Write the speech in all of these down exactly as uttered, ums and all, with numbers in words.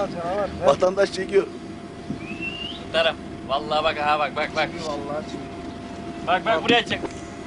canavar. Vatandaş çekiyor. Tutarım. Vallahi bak ha bak bak bak. Vallahi çıkıyor. Bak bak buraya çek.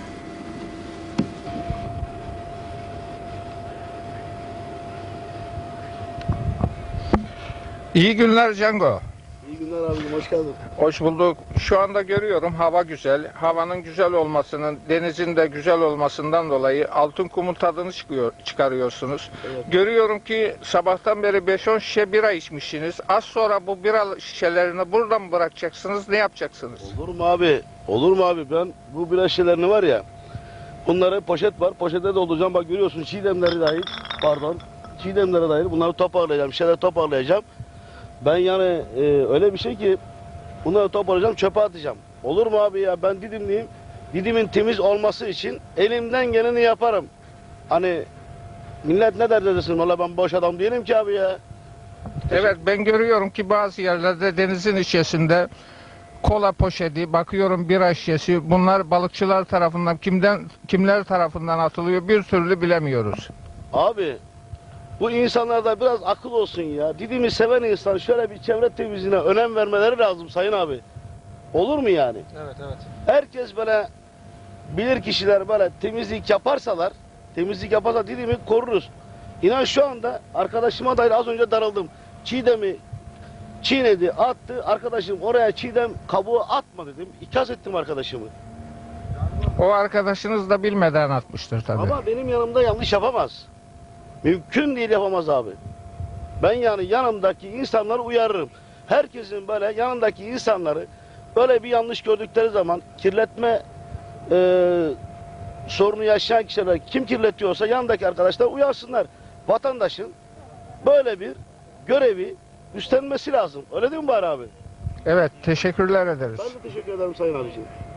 İyi günler Cengo. İyi günler abicim, hoş geldin. Hoş bulduk. Şu anda görüyorum hava güzel. Havanın güzel olmasının, denizin de güzel olmasından dolayı altın kumun tadını çıkıyor, çıkarıyorsunuz. Evet. Görüyorum ki sabahtan beri beş on şişe bira içmişsiniz. Az sonra bu bira şişelerini burada mı bırakacaksınız? Ne yapacaksınız? Olur mu abi? Olur mu abi? Ben bu bira şişelerini var ya, bunları poşet var. Poşete dolduracağım. Bak görüyorsun, çiğdemleri dahil. Pardon. Çiğdemleri dahil. Bunları toparlayacağım. Şişeleri toparlayacağım. Ben yani e, öyle bir şey ki bunları toparlayacağım, çöpe atacağım. Olur mu abi ya? Ben Didimliyim. Didim'in temiz olması için elimden geleni yaparım. Hani millet ne der desin? Valla ben boş adam değilim ki abi ya. Evet, ben görüyorum ki bazı yerlerde denizin içerisinde kola poşeti, bakıyorum bira şişesi, bunlar balıkçılar tarafından kimden kimler tarafından atılıyor bir türlü bilemiyoruz. Abi bu insanlarda biraz akıl olsun ya. Didim'i seven insan şöyle bir çevre temizliğine önem vermeleri lazım sayın abi. Olur mu yani? Evet evet. Herkes böyle bilir kişiler böyle temizlik yaparsalar, temizlik yaparsa Didim'i koruruz. İnan şu anda arkadaşıma dair az önce darıldım. Çiğdem'i çiğnedi, attı. Arkadaşım oraya çiğdem kabuğu atma dedim. İkaz ettim arkadaşımı. O arkadaşınız da bilmeden atmıştır tabii. Ama benim yanımda yanlış yapamaz. Mümkün değil, yapamaz abi. Ben yani yanımdaki insanları uyarırım. Herkesin böyle yanındaki insanları böyle bir yanlış gördükleri zaman kirletme e, sorunu yaşayan kişiler kim kirletiyorsa yanındaki arkadaşlar uyarsınlar. Vatandaşın böyle bir görevi üstlenmesi lazım. Öyle değil mi bari abi? Evet, teşekkürler ederiz. Ben de teşekkür ederim sayın abiciğim.